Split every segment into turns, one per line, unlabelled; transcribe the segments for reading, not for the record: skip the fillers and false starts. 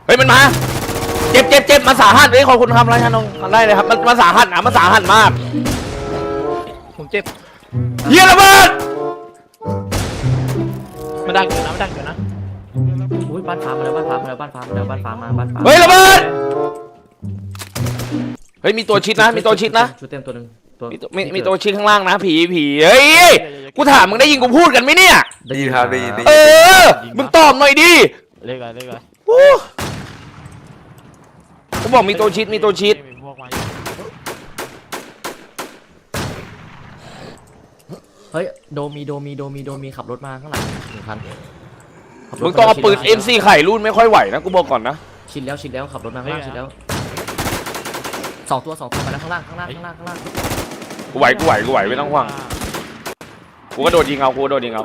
เฮ้ยมันมาเจ็บมาสาหัสเลยขอบคุณครับไรชานงได้เลยครับมันสาหัสนะมันสาหัสมาก
ผมเจ็บ
เฮียระเบิด
มันดังอยู่นะมันดังอยู่นะ
อุ้ยบ้านฟ้ามาแล้วบ้านฟ้ามาแล้วบ้านฟ้ามาแล้วบ้านฟ้ามาบ้านฟ้า
เฮ้ยระเบิดเฮ้ยมีตัวชิดนะมีตัวชิดนะ
ชุดเต็มตัวหนึ่ง
มีตัวชิดข้างล่างนะผีเฮ้ยกูถามมึงได้ยินกูพูดกันไหมเนี่ย
ได้ยินครับได้ยิน
มึงตอบหน่อยดิ
เลขอะไร
กูบอกมีตัวชิด
เฮ้ยโดมีขับรถมาข้างหลัง1 คัน
มึงต้องเอาปืน MC ไข่รุ่นไม่ค่อยไหวนะกูบอกก่อนนะ
ชิดแล้วขับรถมาข้างล่างชิดแล้ว2 ตัวมาแล้วข้างล่าง
กูไหวไม่ต้องห่วงกูก็โดดยิงเอา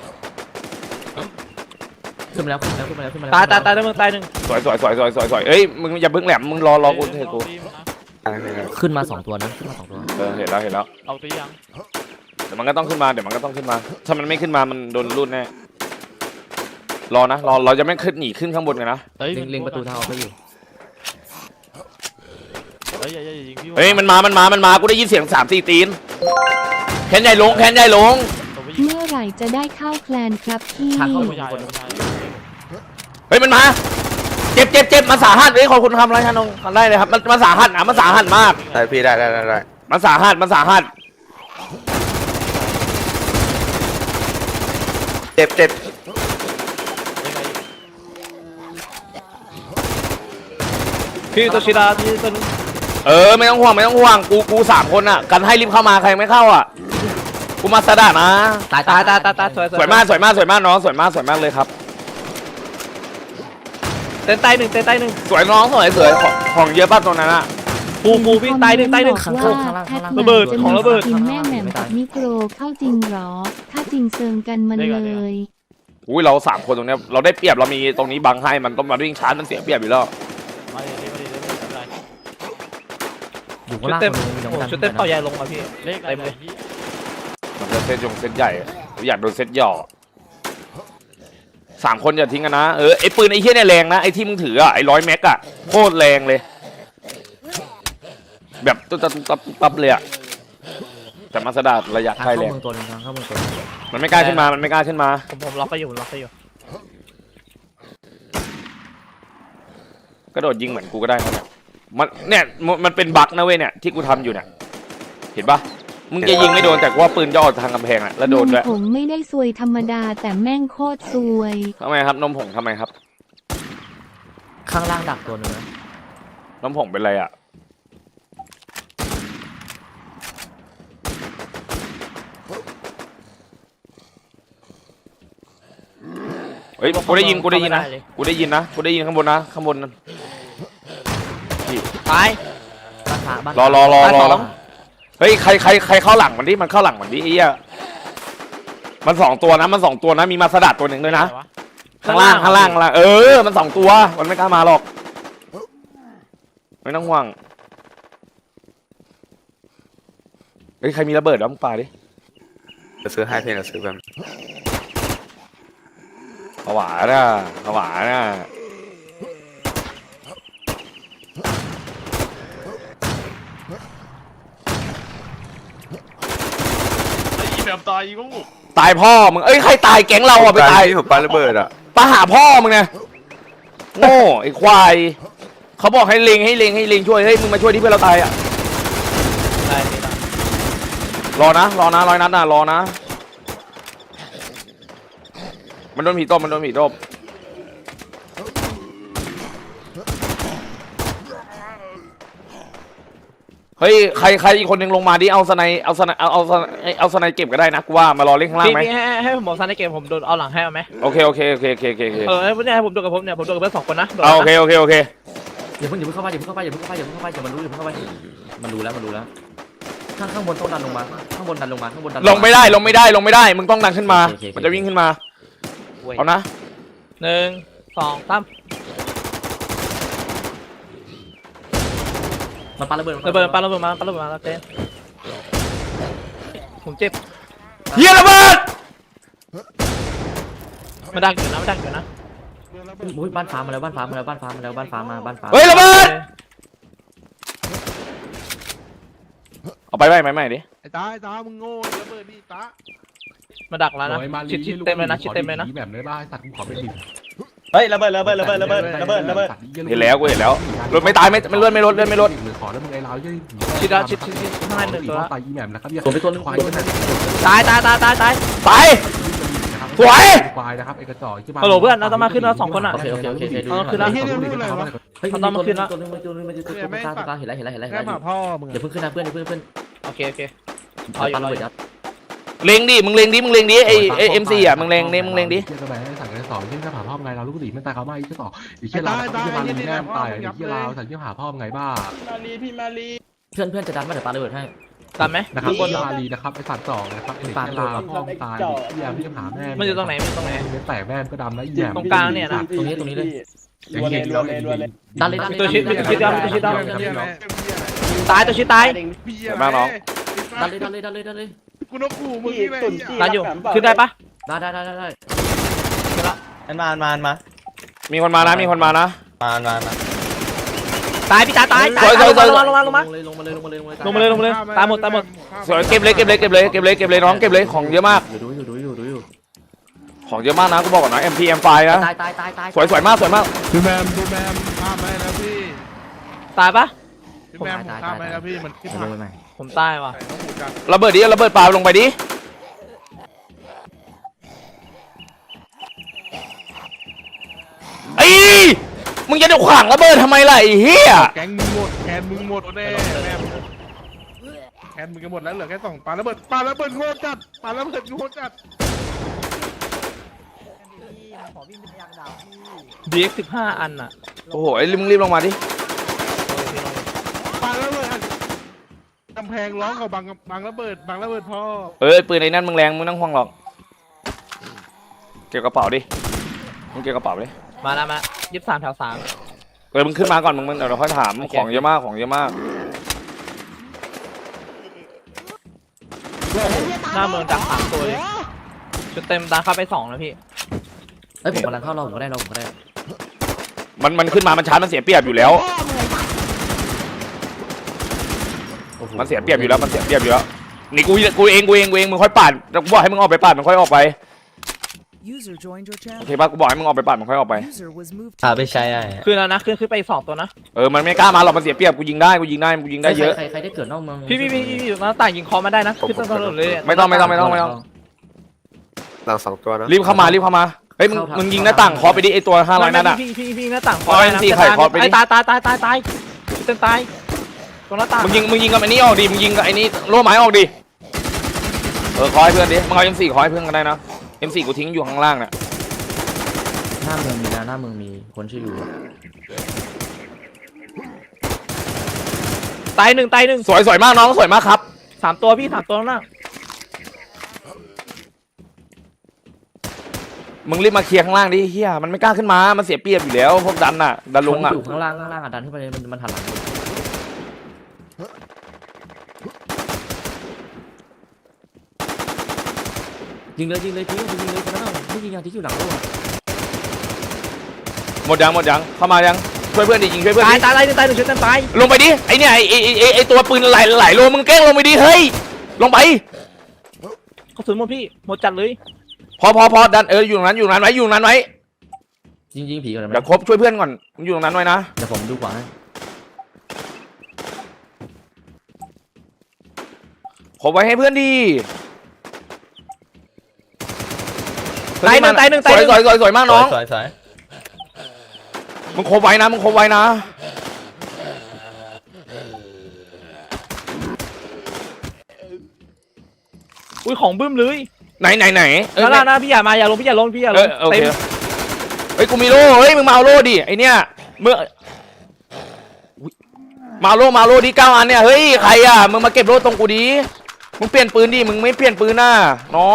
ขึ้นมาแล้ว
ตายแล้วมึงตายหนึ่ง
สวยเอ้ยมึงอย่าเพิ่งแหลมมึงรอกูเถอะกู
ขึ้นมา2 ตัวนะ
เห็นแล้ว
เอาตัวยัง
เดี๋ยวมันก็ต้องขึ้นมาถ้ามันไม่ขึ้นมามันโดนรูดแน่รอนะเราจะไม่ขึ้นหนีขึ้นข้างบนกันนะ
เล็งประตูทางออกไปอยู่
เฮ้ยมันมากูได้ยินเสียง3-4 ตีนแคนใหญ่ลงเ
มื่อไหร่จะได้เข้าแคลนครับพี่
เฮ้ยมันมาเจ็บมาสาหัสเลยขอบคุณครับไรชานงได้เลยครับมันสาหัสนะมันสาหัสมาก
ได้พี่ได้
มันสาหัส
เจ็บ
พี่ตัวชิดาพี่ตัวนึง
ไม่ต้องห่วงกู3 คนอ่ะกันให้รีบเข้ามาใครไม่เข้าอ่ะกูมาสดานะ
ตาย
สวยมากน้องสวยมากเลยครับ
เต้นใต้หนึ่ง
สวยน้องสวยของเยอะป่ะตรงนั้นอ่ะ
ปูวิ่งใต้หนึ่ง
ข้างล่าง
ระเบิดของระเบิด
กินแม่แหม่มกับมิโครเข้าจริงหรอถ้าจริงเซิงกันมันเลย
อุ้ยเรา3 คนตรงเนี้ยเราได้เปรียบเรามีตรงนี้บังให้มันต้องมาวิ่งชาร์จมันเสียเปรียบอยู่แล้ว
อยู่ข้างล่าง
ชุดเต็มต่อใหญ่ลงมาพี่เต็มเลย
มันจะเซตใหญ่อยากโดนเซตหย่อ3 คนอย่าทิ้งกันนะไอ้ปืนไอ้เหี้ยเนี่ยแรงนะไอ้ที่มึงถือไอ้100 แม็กอะโคตรแรงเลยแบบตับเลยอะแต่มาสดาระยะใกล้แรงมันไม่กล้าขึ้นมา
ผมล็อกไปอยู่
กระโดดยิงเหมือนกูก็ได้ครับมันเป็นบั๊กนะเว้ยเนี่ยที่กูทำอยู่เนี่ยเห็นปะมึงจะยิงไม่โดนแต่ว่าปืนย่อทางกำแพงอะแล้วโดนด้วย
ผมไม่ได้ซวยธรรมดาแต่แม่งโคตรซวย
ทำไมครับนมผงทำไมครับ
ข้างล่างดักตัวนึงนะ
นมผงเป็นไรอะเฮ้ยกูได้ยินนะข้างบนนั่น
ตาย
รอเฮ้ยใครเข้าหลังมันดิมันเข้าหลังมันดิไอ้เหี้ยมัน2 ตัวนะมีมาสดัดตัวหนึ่งด้วยนะข้างล่างมัน2 ตัวมันไม่กล้ามาหรอกไม่ต้องห่วงเฮ้ยใครมีระเบิดแล้วมึงปาดิ
จะซื้อให้เพลงจะซื้อแบบ
ผวาน่ะตายพ่อมึงใครตายแก๊งเราไปตาย
ผมปาระเบิด
ปาหาพ่อมึงไงโง่ไอ้ควายเขาบอกให้เล็งช่วยมึงมาช่วยที่เพื่อนเราตายรอนะ100 นัดนะรอนะมันโดนผีต้มเฮ้ยใครอีกคนนึงลงมาดิเอาสไนเก็บก็ได้นะกูว่ามารอเล่นข้างล่างไหม
ให้ผมบอกสไนเก็บผมโดนเอาหลังให้เอาไหม
โอเค
ไม่ให้ผมโดนกับผมโดนกับเพื่อน2 คนนะ
โอเค
อย่าเพิ่งเข้าไปมันรู้มันรู้แล้วข้างบนต้องดันลงมา
ลงไม่ได้มึงต้องดันขึ้นมามันจะวิ่งขึ้นมาเอานะ
1 2 3
มันปาระเบิดมา
แล้วเต้นผมเจ็บ
เฮียระเบิด
มันดังอยู่นะ
อุ้ยบ้านฟ้ามาแล้วบ้านฟ้ามาแล้วบ้านฟ้ามาแล้วบ้านฟ้ามาบ้านฟ้า
เฮ้ยระเบิดเอาไปไม่ดิ
ไอ้ตามึงโง่ระเบิดดิตา
มาดักแล้วนะชิดเต็มเลยนะชิดเต็มเลยนะ
แบบเลยบ้าไอ้สัตว์กูขอเป็นดิ
เฮ้ยระเบิด
เห็นแล้วกูเห็นแล้วรถไม่ตายไม่เลื่อนไม่ลด
ขอแล้วมึงไอ้เราจะ
ชิดแล้วชิดข้างในหนึ่งตัว
ตายอีแหม่มนะครับ
ตัวไปตัวนึง
ควาย
ตัวนึง
ตาย
ตายสวย
ควายนะครับไอ้กระจอกที่บ้าน
ฮัลโหลเพื่อนเราต้องมาขึ้นแล้ว2คนอ่ะ
โอเคดู
เอาขึ้นแล้ว
เฮ้ยเรื่องอะไรวะ
เฮ้ยตัวนึงตัวนึงมันจะตัวกลางเห็นแล้ว
แค่หมาพ่อมึง
อย่าเพิ่งขึ้นนะเพื่อนอย่าเพิ่ง
โอเค
เอาอยู่เลยยัด
เล็งดิมึงเล็งดิไอเอ็มซีอ่ะมึงเล็งดิ
เชี่ยกระแบงสั่งกันสองเชี่ยหาพ่อไงเราลูกหลีไม่ตายเขาไม่ไอ้เชี่ยต่อไอ้เชี่ยเราไอ้เชี่ยมาลีแม่ตายไอ้เชี่ยเราสั่งเชี่ยหาพ่อไงบ้า
เพื่อนจะดันมาเดี๋ยวปาระเบิดให้
ตามไหม
นะครับมาลีนะครับไอ้สัตว์สองนะครับไอ้เชี่ยลาพ่อตายเชี่ยพี่หาแม่
มันอยู่ตรงไหน
แตกแม่ก็ดำแล้วอีแหม่
ตรงกลางเนี่ยนะ
ตรงนี้เลย
เห็นแล้ว
ดันเลย
ตัวชิดตายตัวชิดตาย
มากน้อง
ดันเลย
กูนกขู่มึงนี่แหละ
ตายอยู่ขึ้นได้ปะ
ได้
มา
มีคนมานะ
ตายพี่ตายลงมา
ลงมาเลย
ตายหมด
สวยเก็บเลยน้องเก็บเลยของเยอะมาก
อยู่
ของเยอะมากนะกูบอกก่อนนะ MP M5 นะ
ตาย
สวยมาก
ดูแมมข้ามไปแล้วพี่
ตายปะ
ดูแมมข้ามไปแล้วพี่มันขึ้นทาง
ผมตายว่ะ
ระเบิดปลาลงไปดิไอ้มึงจะขวางระเบิดทำไมล่ะไอ้เหี้ย
แก๊งมึงหมดแคนมึงหมดแน่แมมแคนมึงก็หมดแล้วเหลือแค่2ปาระเบิดโง่จัดปาระเบิดโง่จัด
DX 15 อันอ่ะ
โอ้โหมึงรีบลงมาดิ
ปาระเบิดกำแพงร้องเขาบังระเบิดพ่อ
ปืนไอ้นั่นมึงแรงมึงนั่งห่วงหรอกเก็บกระเป๋าดิมึงเก็บกระเป๋าดิ
มา23 แถว 3
มึงขึ้นมาก่อนมึงเดี๋ยวเราค่อยถามของเยอะมาก
หน้าเมืองดัก3ตัวเลยชุดเต็มดังเข้าไป2แล้วพี่
เฮ้ยผมกำลังเข้าเราผมก็ได้
มันขึ้นมามันชาร์จมันเสียเปรียบอยู่แล้วมันเสียเปรียบอยู่แล้วนี่กูเองมึงค่อยปาดกูบอกให้มึงออกไปปาดมันค่อยออกไปโอเคป่ะกูบอกให้มึงออกไปปาดมันค่อยออกไป
ไปใช้ได้
ขึ้นแล้วนะขึ้นไปอีก2ตัวนะ
มันไม่กล้ามาหรอกมันเสียเปรียบกูยิงได้เยอะ
ใครได้เกิดนอกเมือง
พี่หน้าต่างยิงคอมาได้นะขึ้นถนนเลย
ไม่ต้อง
หลัง2ตัวนะ
รีบเข้ามาเฮ้ยมึงยิงหน้าต่างเคาะไปดิไอตัว500นั่นอ่ะ
พี่หน้าต่างคอ
เอา NC ไข่คอไปดิ
ตายเต็มตายตรงหน้าต่าง
มึงยิงกับไอ้นี่ออกดิมึงยิงกับไอ้นี่โล่ไม้ออกดิคอยเพื่อนดิมึงเอา M4 คอยเพื่อนกันได้นะ M4 กูทิ้งอยู่ข้างล่างเนี่ย
หน้าเมืองมีคนชื่ออยู่
ตายหนึ่ง
สวยมากน้องสวยมากครับ
3 ตัวพี่3 ตัวแล้วนะ
มึงรีบมาเคลียร์ข้างล่างดิเฮียมันไม่กล้าขึ้นมามันเสียเปรียบอยู่แล้วพวกดันลงอ่ะ
อยู่ข้างล่างดันขึ้นไปมันหันหลังยิงเลยคนนั้นไม่ยิงอย่างที่อยู่หลังโลก
หมดยังเข้ามายังช่วยเพื่อนดิยิงช่วยเพื่อนดิ
ตายหนึ่งชุดเต็มตาย
ลงไปดิไอเนี่ยไอตัวปืนไหลโลมึงแกล้งลงไปดิเฮ้ยลงไป
กระสุนหมดพี่หมดจัดเลย
พอดันอยู่ตรงนั้นไว้
ยิงผีก่อนไหม
เดี๋ยวครบช่วยเพื่อนก่อนมึงอยู่ตรงนั้นไว้นะ
เดี๋ยวผมดูขวาให้
ครบไว้ให้เพื่อนดิ
ตายหนึ่ง
สวยมากน้อง
สวย
มึงครบไว้นะ
อุ้ยของบึ้มเลย
ไหน
นะพี่อย่าลง
โอเค
เต็ม
เฮ้ยกูมีโล่เฮ้ยมึงมาเอาโล่ดิไอเนี่ยเมื่อมาโล่ดิ9 อันเนี่ยเฮ้ยใครอ่ะมึงมาเก็บโล่ตรงกูดิมึงเปลี่ยนปืนดิมึงไม่เปลี่ยนปืนน่ะน้อง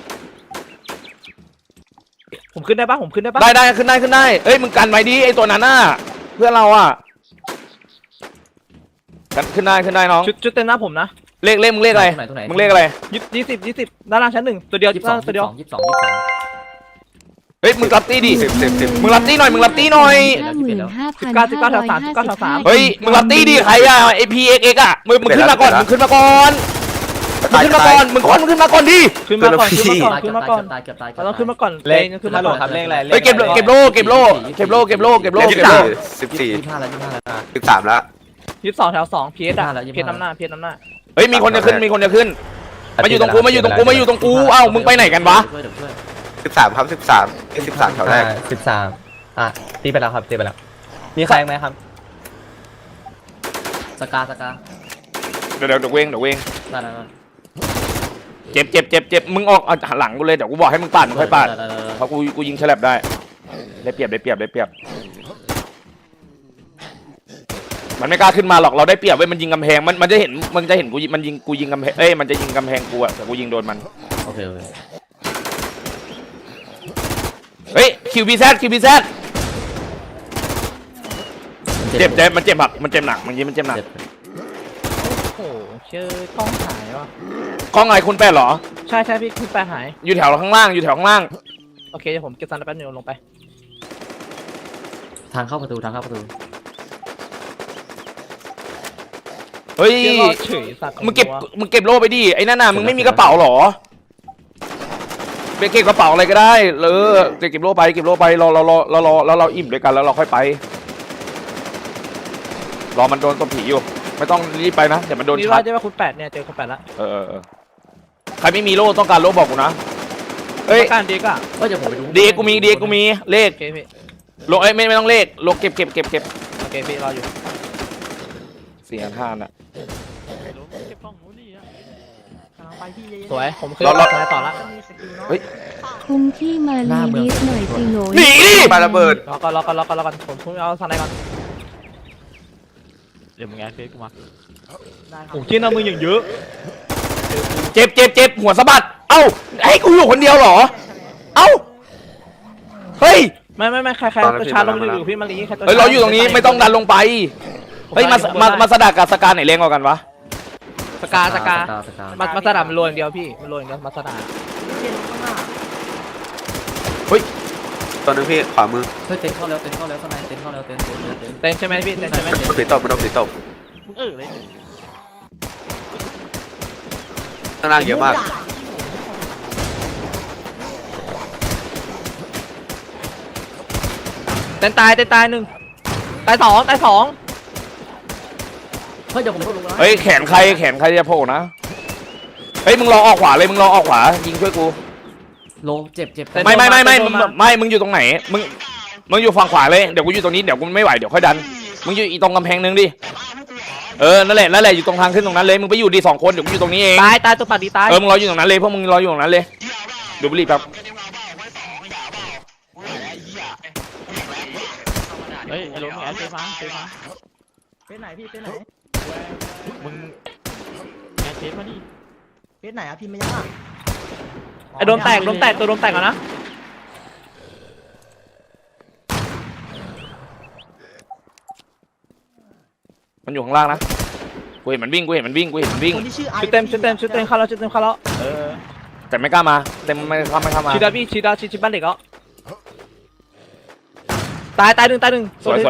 ผมขึ้นได้ปะ
ได้ขึ้นได้เอ้ยมึงกันไว้ดิไอตัวนั้นน่ะเพื่อนเราอ่ะกันขึ้นได้น้อง
ชุดเต็มหน้าผมนะ
เลขมึงเลขอะไร
ตรงไหน
มึงเลขอะไร
20ด้านล่างชั้น 1ตัวเดียว
22
เฮ้ยมึงรับตีดิ
10
มึงรับตีหน่อยมึงรับตีหน่อย
19
เฮ้ยมึงรับตีดิใครอะไอพีเอ็กอะมึงขึ้นมาก่อนมึงขึ้นมาก่อนมึงขึ้นมาก่อนมึงขึ้นมาก่อนดิ
ขึ้นมาก่อนขึ้นมาก่อน
เกือบตาย
เราต้องขึ้นมาก่อน
เลข
ขึ้น
ฮั
มา
ลโหล
ก่อน
ครับเลขอะไร
เฮ้ยเก็บโล่
14
25แล้ว25แล้ว
13แล้ว
22แถว2พีเอสอะพีเอสน้ำหน้าพีเอสน้ำหน้า
เฮ้ยมีคนจะขึ้นมาอยู่ตรงกูเอ้ามึงไปไหนกันวะ
เดี๋ยวช่วย
13ครับ13แถวแรก
13ตีไปแล้วครับตีไปแล้วมีใครไหมครับ
สกา
เดี๋ยวเวง
ได้
เจ็บมึงออกหันหลังกูเลยเดี๋ยวกูบอกให้มึงปั่นมึงค่อยปั่นเพราะกูยิงฉลับได้ได้เปรียบมันไม่กล้าขึ้นมาหรอกเราได้เปรียบเว้ยมันยิงกำแพงมันจะเห็นกูยิงกำแพงมันจะยิงกำแพงกูอะแต่กูยิงโดนมัน
โอเค
เฮ้ยคิวบีแซดเจ็บมันเจ็บหนักมันเจ็บหนัก
โอ้โหเชื่อกล้องหายว่ะ
กล้องไงคุณแปดเหรอ
ใช่พี่ขึ้นไปหาย
อยู่แถวข้างล่าง
โอเคเดี๋ยวผมเก็บซันแป๊บนึงลงไป
ทางเข้าประตู
เฮ้ย
เฉยสัตว์
มึงเก็บโล่ไปดิไอ้นั่นน่ะมึงไม่มีกระเป๋าเหรอไปเก็บกระเป๋าอะไรก็ได้เก็บโล่ไปเราอิ่มด้วยกันแล้วเราค่อยไปรอมันโดนตัวผีอยู่ไม่ต้องรีบไปนะเดี๋ยวมันโดน
นี่
ชา
ว่า
ร์จ
จะว่าคุณ8เนี่ยเจอคุณ8ละ
ใครไม่มีโล่ต้องการโล่บอกกูนะเฮ้ย
การดีก็
เดี๋ยวผมไปดู
ดีกูมีเลข
โอเคพี่
โล่ไม่ต้องเลขโล่เก็บ
โอเคพี่รออยู่
4,500น่ะ
สวยผมขึ้น
รอ
ต่อละ
คุ้มที่มาลีดิสหน่อยสิโหล
หนีดิ
ปาระเบิด
รอก่อนผมพุ่งเอาซันไหนก่อนเดี๋ยวมึงแอดเฟซกูมาโอ้ชิ้นเอามืออย่างเยอะ
เจ็บหัวสะบัดเอ้าให้กูอยู่คนเดียวเหรอเอ้าเฮ้ย
ไม่ใครประชาลงอยู่พี่มาลีใครตัว
เราอยู่ตรงนี้ไม่ต้องดันลงไปเฮ้ยมาสดักกับสการไหนแรงกว่ากันวะ
สกามาสดามันโรยอย่างเดียวพี่มันโรยอย่างเดียวมาสดา
ตัวนึงพี่ขวามือ
เฮ้ยเต็นเข้าแล้วข้างในเต็นเข้าแล้วเต็น
เต้นใช่ไหมพี่เต้นใช่ไหม
สีตบมันโดนสีตบข้างล่างเยอะมาก
เต้นตาย1ตาย2
เฮ้ยเดี๋ยวผมเข้าลงนะ
เฮ้ยแขนใครจะโผล่นะเฮ้ยมึงรอออกขวาเลยมึงรอออกขวายิงช่วยกู
ลงเจ็บ
ไม่มึงอยู่ตรงไหนมึงอยู่ฝั่งขวาเลยเดี๋ยวกูอยู่ตรงนี้เดี๋ยวกูไม่ไหวเดี๋ยวค่อยดันมึงอยู่อีตรงกำแพงนึงดินั่นแหละอยู่ตรงทางขึ้นตรงนั้นเลยมึงไปอยู่ดี2คนเดี๋ยวกูอยู่ตรงนี้เอง
ตายตัวปัดดีตาย
มึงรออยู่ตรงนั้นเลยพวกมึงรออยู่ตรงนั้นเลยดูบุหรี่แป๊บ
เฮ้ยไอ้ลุงแอดเฟซมาเฟซไหนพี่เฟซไหนมึงแอดเฟซมาดิ
เพชรไหนอะพี่ไม่ยังอะ
ไอ้โดนแตกตัวโดนแตกอ่ะนะ
มันอยู่ข้างล่างนะกูเห็นมันวิ่ง
คนที่ชื่อไอ
ชุดเต็มเข้าแล้ว
แต่ไม่กล้ามาเต็มไม่เข้ามา
ชีดาพี่ชีบ้านเด็กแล้วตาย1
สวย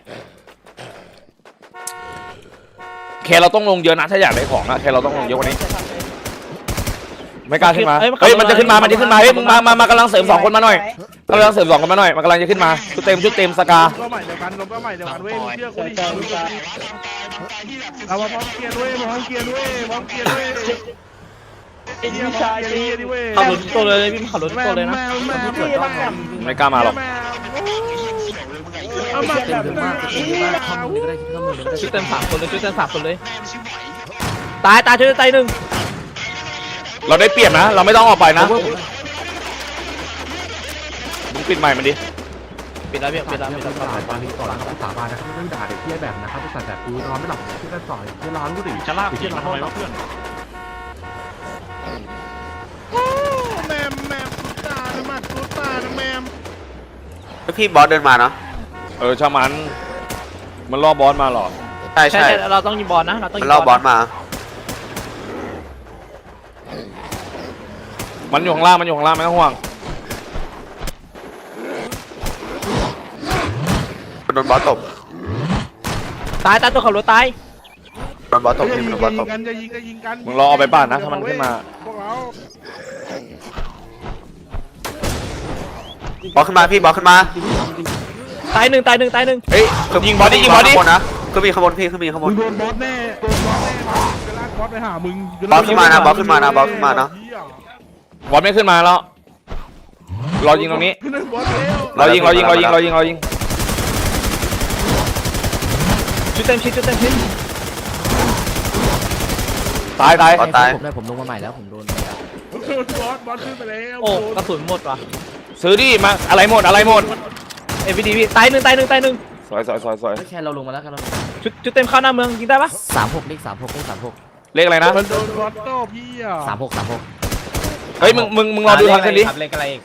แค่เราต้องลงเยอะนะถ้าอยากได้ของอะแค่เราต้องลงเยอะกว่านี้ไม่กล้าขึ้นมาเฮ้ยมันจะขึ้นมาเฮ้ยมึงมากำลังเสริม2คนมาหน่อยกำลังเสริม2คนมาหน่อยมันกำลังจะขึ้นมาชุดเต็มสกา
ก็ใหม่เดียวกันเว้ยเชื่อกูดิเรามาพร้อมเกียร์ด้วยพร้อมเกียร์ด้วยไอ้ชายดิเว้ย
ขับรถตัวเลยพี่ขับรถตัวเลยนะ
ไม่กล้ามาหรอก
เต็มเยอะมากเข้ามือก็ได้เข้ามือก็ได้
ชุดเต็ม3คนเลยตายชุดตาย1
เราได้เปรียบนะเราไม่ต้องออกไปนะมึงปิดไมค์มันดิ
ปิดแล้ว
บางทีก่อนนะครับสาบานนะครับไม่ต้องด่าเด็กที่แบบนะครับไปสั่งแบบกูนอนไม่หลับที่กระสอยที่ร้านกูดิจะลากที่ร้านทำไมวะเพื่อนแมมตุ๊ตานะแมม
พี่บอสเดินมาเนาะ
ชามันล่อบอสมาหรอ
ใช่
เราต้องยิงบอลนะเราต้อง
มันล่อบอสมา
มันอยู่ข้างล่างไม่ต้องห่วง
โดนบอสตบ
ตายตัวขับรถตาย
โดนบอสตบ
อย่า
พี่
ยิง
โดนบอสตบ
กันอย่ายิงกันยิงกัน
มึงรอเอาไปบ้านนะถ้ามันขึ้นมา
พวกเรา
บอสขึ้นมาพี่บอสขึ้นมา
ตายหนึ่ง
เฮ้ยยิงบอลดิยิงบอลดิ
ข้างบนนะขึ้นมีข้างบนพี่ขึ้นมีข้างบ
มึ
น
งโดนบอสแน่โดนบอสแน่จะลากบอสไปหามึง
บอสขึ้นมานะบอสขึ้นมานะบอสขึ้นมานะ
บอลไม่ขึ้นมาแล้วรอยิงตรงนี้
ขึ้นไปบอสเร็ว
รอยิง
ชุดเต็มชิ้น
ตาย
บอสตาย
ผมได้ผมลงมาใหม่แล้วผมโดนไปแล้ว
โดนบอสขึ้นไปแล้ว
โอ้กระสุนหมดว่ะ
ซื้อดิมาอะไรหมด
เอวีดีพี่ตายหนึ่ง
สวย
เฮ้ยแค่เราลงมาแล้วแค่เรา
ชุดเต็มเข้าหน้าเมืองยิงได้ปะ
36เลข36เลข36
เลขอะไรนะ
มันโดนบอสโต้พี่อ่ะ
36
เฮ้ยมึงรอดูทางขึ้นดิ
ครับเลขอะไรอีก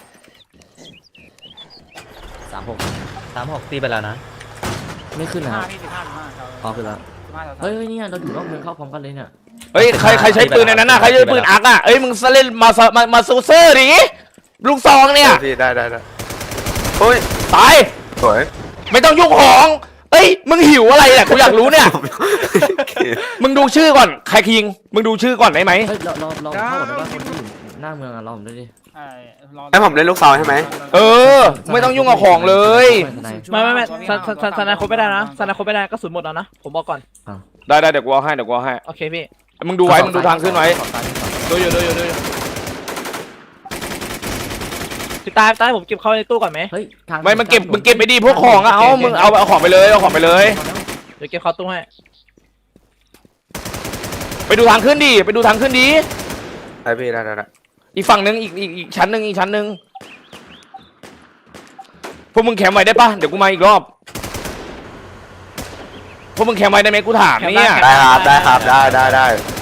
36
ตีไปแล้วนะ
ไม่ขึ้นนะครับอ๋อขึ้นแล้วเฮ้ยเนี่ยเราอยู่นอกเมืองเข้าพร้อมกันเลยเนี่ย
เฮ้ยใครใช้ปืนในนั้นน่ะใครใช้ปืนอักอ่ะเอ้ยมึงเล่นมาซูเซอร์ดิลูกซองเนี่ย
พี่ได้โอ้ย
ตาย
สวย
ไม่ต้องยุ่งของเอ้ยมึงหิวอะไรเนี่ยกูอยากรู้เนี่ยมึงดูชื่อก่อนใครคิงมึงดูชื่อก่อนได้ไหม
เฮ้ยเราเข้าก่อนได้ป่ะคนที่อยู่หน้าเมืองอะเราผมด้วยดิ
ให้ผมเล่นลูกซองใช่ไหม
เออไม่ต้องยุ่งกับของเลย
ไม่สนาคบไม่ได้นะสนาคบไม่ได้กระสุนหมดแล้วนะผมบอกก่อน
ได้เดี๋ยวกูเอาให้
โอเคพี่
มึงดูไว้มึงดูทางขึ้นไว้
ดูอยู่พี่ตายผมเก็บเข้าในตู้ก่อนไหม
เฮ้ยทาง
ไม่มึงเก็บไปดีพวกของอะมึงเอาของไปเลยเอาของไปเลย
เดี๋ยวเก็บเข้าตู้ให้
ไปดูทางขึ้นดิไปดูทางขึ้นดิ
ไอพี่ได้
อีกฝั่งนึงอีกชั้นหนึ่งพวกมึงแคมป์ไว้ได้ปะเดี๋ยวกูมาอีกรอบพวกมึงแคมป์ไว้ได้ไหมกูถามเนี่ย
ได้ครับได้